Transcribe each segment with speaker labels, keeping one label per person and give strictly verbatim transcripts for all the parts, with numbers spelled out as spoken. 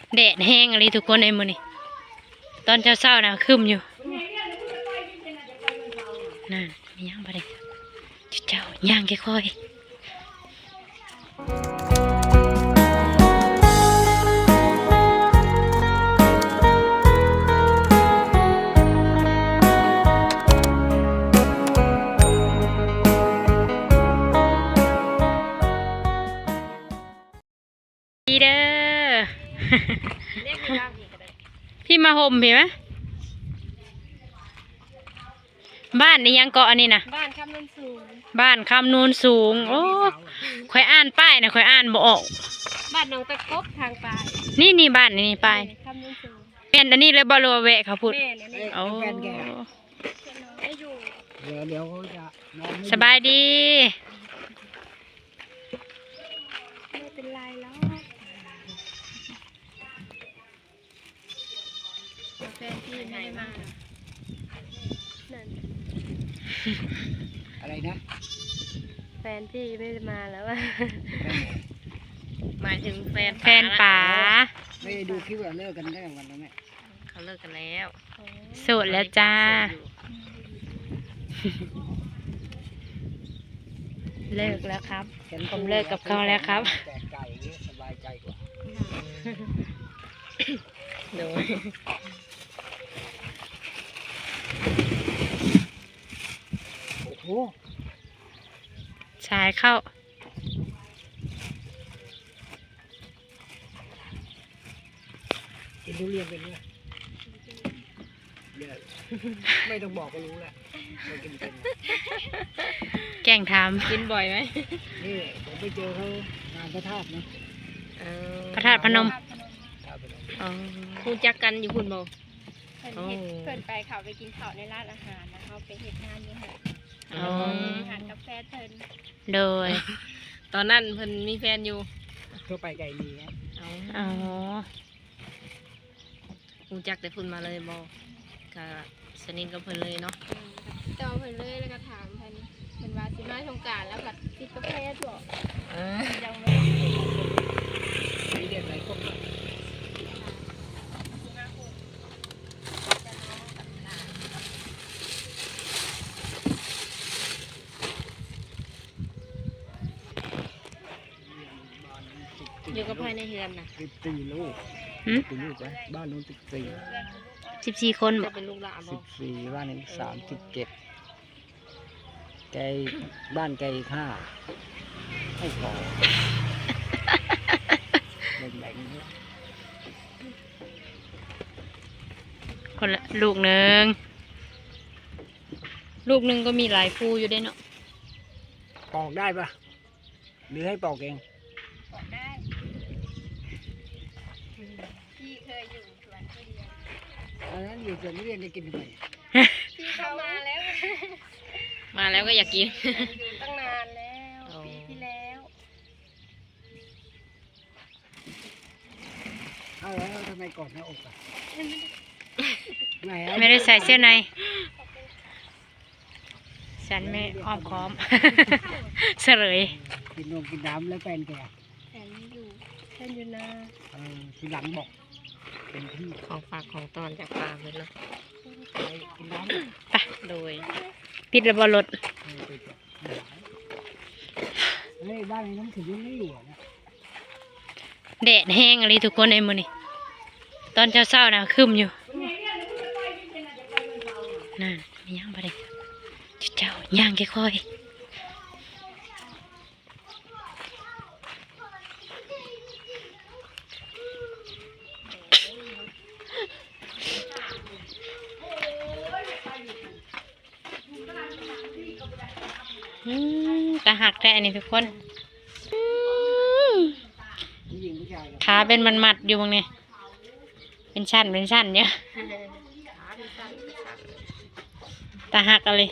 Speaker 1: แดดแห้งอะไรทุกคนในมือนี่ตอนเช้าเช้านะคึมอยู่นั่นมีย่างไปเลยเจ้าย่างค่อยดีเด้อ พี่มาห่มเห็นไหมบ้านนี่ยังเกาะอันนี้นะ
Speaker 2: บ้านคำนูนสูง
Speaker 1: บ้านคำนูนสูงโอ้ค่อยอ่านป้ายนะค่อยอ่านบ่ออก
Speaker 2: บ้านน้องตะกบทางปลาย
Speaker 1: นี่นี่บ้านนี่ป้าย
Speaker 2: คำนูนสูง
Speaker 1: เป็นอันนี้เลยบอลลูแวะเขาพูดโอ้
Speaker 3: เดี๋ยวเดี๋ยวเขาจะ
Speaker 1: สบายดี
Speaker 2: ไม่เป็นไรแล้วแฟนพี่ไม่ได้มา
Speaker 3: อะไรนะ
Speaker 2: แฟนพี่ไม่ได้มาแล้วว่า
Speaker 1: หมายถึงแฟนแฟนป๋า
Speaker 3: ไม่ได้ดูคลิปว่าเลิกกันได้วันนั้นไหม
Speaker 1: เขาเลิกกันแล้วโสดแล้วจ้าเลิกแล้วครับผมเลิกกับเขาแล้วครับ
Speaker 3: แต่ไก่สบายใจกว่า
Speaker 1: โดย
Speaker 3: โอ้โห
Speaker 1: ชายเข้า
Speaker 3: กินทุเรียนเป็นไงไม่ต้องบอกก็รู้แหละไม่กินเป็น
Speaker 1: แกล้งทำกินบ่อยไหม
Speaker 3: นี่ผมไปเจอเขางานพระธาตุนะ
Speaker 1: พระธาตุพนม
Speaker 2: คุณจักกันอยู่คุณโบเพิ่นเฮ็ดเพิ่นไปเขาไปกินข้าวในร้านอาหารนะเขาไปเฮ็ดงานอยู่ค่ะอาหารกาแฟเพิ่น
Speaker 1: โดย
Speaker 2: ตอนนั้นเพิ่นมีแฟนอยู่
Speaker 3: เพื่อไปไก่ดีครับ
Speaker 1: อ๋อ
Speaker 2: คุณจักแต่เพิ่นมาเลยโบก็สนิทกับเพิ่นเลยเนาะเจ้าเพิ่นเลยแล้วก็ถามเพิ่นเพิ่นว่าสิมาสงกรานต์แล้วก็ติดกาแฟบ่เออยังไม่
Speaker 3: มีเด็กหลายคน
Speaker 2: อยู่กับภายในเฮือนนะ
Speaker 3: สิบสี่ลูกสิบลูกนะบ้านนู้นสิบสี่
Speaker 1: สิบสี่คน
Speaker 2: จะเป็นลูกหลาน
Speaker 3: สิบสี่บ้านนี้สามสิบเจ็ดไก่บ้านไก่ห้าให้พอแบ่ง
Speaker 1: ๆคนละลูกหนึ่งลูกหนึ่งก็มีหลายฟูอยู่ได้เนาะ
Speaker 3: ปอกได้ปะหรือให้ปอกเอง
Speaker 2: ปอกได้พี่เคยอยู่สวนทุเรียน
Speaker 3: อันนั้นอยู่สวนทุเรียนจะกินทำไม
Speaker 2: พี่เข้ามาแล้ว
Speaker 1: มาแล้วก็อยากกิน
Speaker 2: อยู่ตั้งนานแล้วปีที่แล้ว
Speaker 3: เอาแล้วทำไมกอดหน้าอกอ่ะ
Speaker 1: ไม่ได้ใส่เสื้อในฉันไม่อ้อมค้อมเฉลย
Speaker 3: กินนมกินน้ำแล้วแฟนแก
Speaker 2: แฟนไม่อยู่แฟนอยู่นา
Speaker 3: เออทีหลังบอกเป็นที่
Speaker 1: ของฝากของตอนจากปลาเลยเนาะ
Speaker 3: กินน้ำ
Speaker 1: ไปโดยปิดระเบิดรถ
Speaker 3: เฮ้ยบ้านนี้น้ำถึงยังไม่อยู่นะ
Speaker 1: แดดแห้งอะไรทุกคนในมือนี่ตอนเช้าเช้านะคึมอยู่นั่นมีย่างไปเลยเจ้าย่างค่อยตาหักแท้นี่ทุกคนขาเป็นมันมัดอยู่ตรงนี้เป็นชั้นเป็นชั้นเนี่ยตาหักอะไร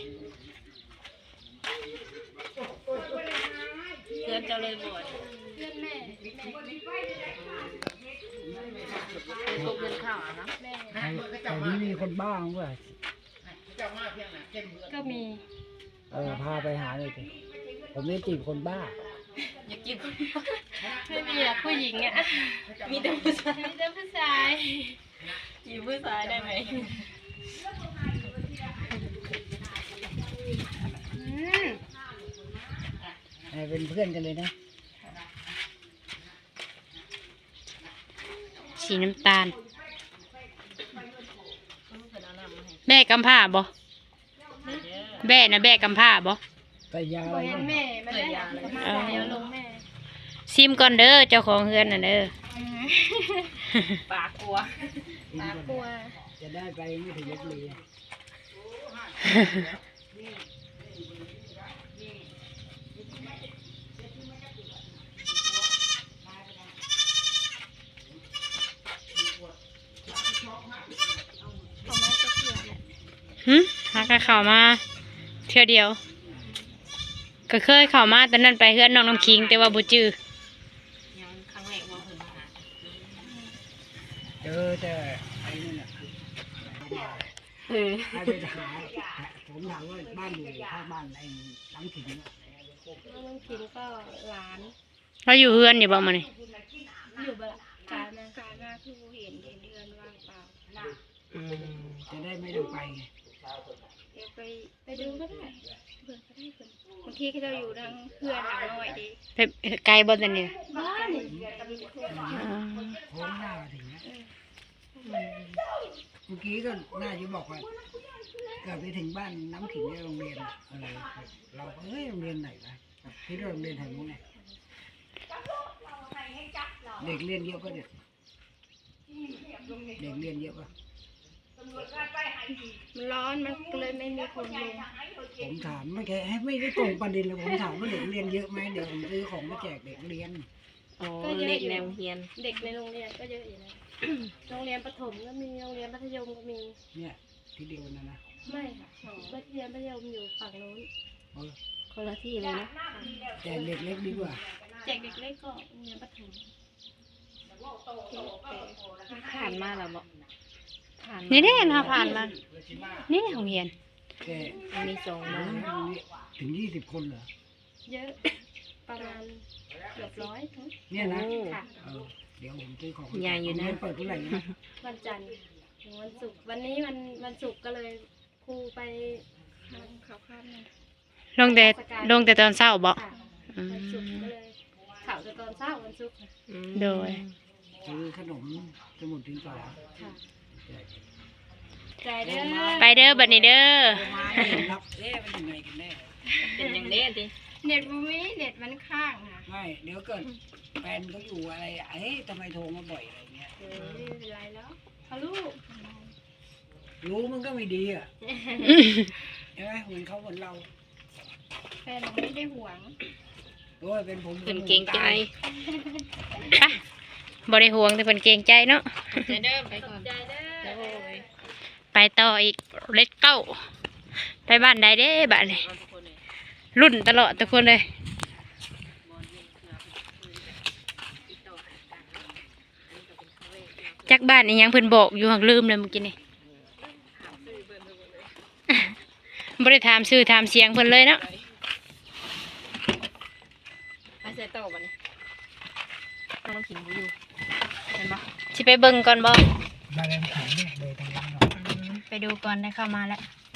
Speaker 2: เพื่อนเจ้าเลยบ่อยเพื่อนแม่พวกเพื่อนข้าวนะแม่
Speaker 3: แต่นี้มีคนบ้ามั้งวะ
Speaker 2: ก็มี
Speaker 3: เออพาไปหาเลยสิผมนี่จีบคนบ้า
Speaker 2: อยากจีบคน
Speaker 1: ไม่มีอะผู้หญิงอะ
Speaker 2: มีแต่ผู้ชาย
Speaker 1: มีแต่ผู้ชาย
Speaker 2: อยู่ผู้ชายได้ไหม
Speaker 1: อืม
Speaker 3: ให้เป็นเพื่อนกันเลยนะ
Speaker 1: สีน้ำตาลแม่กำผ้าบ่แม่นะแม่กำผ้าบ่
Speaker 3: แต่ยาอะไร
Speaker 2: เห็น
Speaker 3: เนี่ย
Speaker 2: แม่มันได้อยากมาเดี๋ยวลงแม่
Speaker 1: ซิมก่อนเด้อเจ้าของเฮือนน่ะเด้อ
Speaker 2: ปากกลัว
Speaker 3: กิน
Speaker 2: ปาก
Speaker 3: ก่อน
Speaker 2: กลัว
Speaker 3: จะได้ไปไม่ถึงลพบุรี
Speaker 2: เขามาจะเกลือแหละ
Speaker 1: หึหากะเข้ามาเที่ยวเดียว ก็เคยเข้ามาตอนนั้นไปเฮือนน้องน้ำคิงแต่ว่าบ่จื้อ
Speaker 2: ยังครั้งแรกว่าเพิ่นมาหา
Speaker 3: เจอแต่ไอ้นั่นน่ะ
Speaker 2: เออ
Speaker 3: ให้ไปหาผมถามว่าบ้านอยู่ข้างบ้านไอ้หลังถิ่นน่ะ
Speaker 2: น้องคิงก็หลาน
Speaker 1: เราอยู่เฮือนอยู่บ่มื้อนี้
Speaker 2: อยู่บ่ละการนะการหน้าคือเห็นเห็นเดือนว่างเปล่า
Speaker 3: จะได้ไม่ต้องไปไง
Speaker 2: เดี๋ยวไปไปดูก็ได้เพื่อนก็ได้เพื่อนบางทีก็จะอยู่ทางเพื่อนหลังหน่อยดี
Speaker 1: ไปไกลบ่ตอนนี้
Speaker 2: บ้านนี่ก็มีเพื่อน
Speaker 1: อ๋อ
Speaker 3: โค้งหน้ามาถึงนะเมื่อกี้ก็น่าจะบอกว่าเกิดไปถึงบ้านน้ำขิงในโรงเรียนอะเออเราก็เฮ้ยโรงเรียนไหนนะคิดว่าโรงเรียนแถวนู้นไงเด็กเรียนเยอะปะเนี่ยเด็กเรียนเยอะปะ
Speaker 2: มันร้อนมันก็เลยไม่มีคนลง
Speaker 3: ผมถามไม่แค่ไม่ได้ตรงประเด็นเลยผมถามว่าเด็กเรียนเยอะไหมเดี๋ยวผมซื้อของมาแจกเด็กเรียน
Speaker 2: ก็เยอะอยู่เด็กในโรงเรียนก็เยอะอยู่นะ โรงเรียนประถมก็มีโรงเรียนมัธยมก็มี
Speaker 3: เนี่ยที่เดียวนะนะ
Speaker 2: ไม่ค่ะมัธยมมัธยมอยู่ฝั่งนู้น
Speaker 3: เออ
Speaker 2: คนละที่เลยนะ
Speaker 3: แจกเด็กเล็กดีกว่า
Speaker 2: แจกเด็กเล็กก็โรงเรียนประถม
Speaker 4: ผ่านมาแล้วบอกผ่าน
Speaker 1: นี่เด้เราผ่านมา นี่โรงเรียน
Speaker 3: แก
Speaker 4: มันมีสอง
Speaker 3: โอ้
Speaker 4: มาย
Speaker 3: ถึงยี่สิบคนเหรอ
Speaker 2: เยอะประมาณเกือบร้อยทั้ง
Speaker 3: เนี่ยนะ
Speaker 2: ค่ะ
Speaker 3: เออเดี๋ยวผมซื้อของ
Speaker 4: ใหญ่อยู่นะ
Speaker 3: โรงเรีเปิดเท่าไหร่นะ
Speaker 2: วันจันทร์ถึงวันศุกร์วันนี้วันวันศุกร์ก็เลยครูไปทำข่าวข้ามนะ
Speaker 1: ลงแต่ลงแต่ตอนเช้าบ่
Speaker 2: ค่ะ
Speaker 1: อืม
Speaker 2: วันศุกร์ก็เลยข่าวจะตอนเช้าวันศุกร์ค่ะ
Speaker 4: อืม
Speaker 1: โดย
Speaker 3: ซื้อขนมสมุดดินสอ
Speaker 2: ค่ะ
Speaker 3: แจก
Speaker 2: ใจเด้อ
Speaker 1: ไปเด้อบัดนี้เด้อ
Speaker 3: มาเห็นรับเอ๊ะเป็นยังไงกันแน่
Speaker 4: เป็นอย่างนี้สิ
Speaker 2: เน็ตบูมี่เน็ตมันข้างค่ะ
Speaker 3: ไม่เดี๋ยวเกิดแฟนเขาอยู่อะไรเอ๊ะทำไมโทรมาบ่อยอะไรเงี้ย
Speaker 2: เออไม่เป็นไรแล้วฮัลโหล
Speaker 3: รู้มันก็ไม่ดีอ่ะใช่ไหมเหมือนเขาเหมือนเรา
Speaker 2: แฟนผมไม่ได้หวง
Speaker 3: โอ้ยเป็นผม
Speaker 4: เป็นเก่งใจ
Speaker 1: ไปบ่ได้ห่วงแต่เพิ่นเกรงใจเนาะ
Speaker 4: จะเดิมไปก่อน
Speaker 2: ใจเด้อ
Speaker 4: โอ้ย
Speaker 1: ไปต่ออีกเลตเก้าไปบ้านใดเด้บ้านนี้รุ่นตลอดทุกคนเลยจักบ้านอีหยังเพิ่นบอกอยู่หักลืมเลยเมื่อกี้นี่ บ่ได้ถามชื่อถามเสียงเพิ่นเลยเนาะ
Speaker 4: ไปใส่โต๊ะบัดนี้น้องขิงบ่อยู่เห็นปะ
Speaker 1: สิไปเบิ่งก่อนบ่
Speaker 3: มาแรงขันเนี่ยเลยทางนั้นหรอก
Speaker 1: ไปดูก่อนได้เข้ามาแล้ว
Speaker 4: เ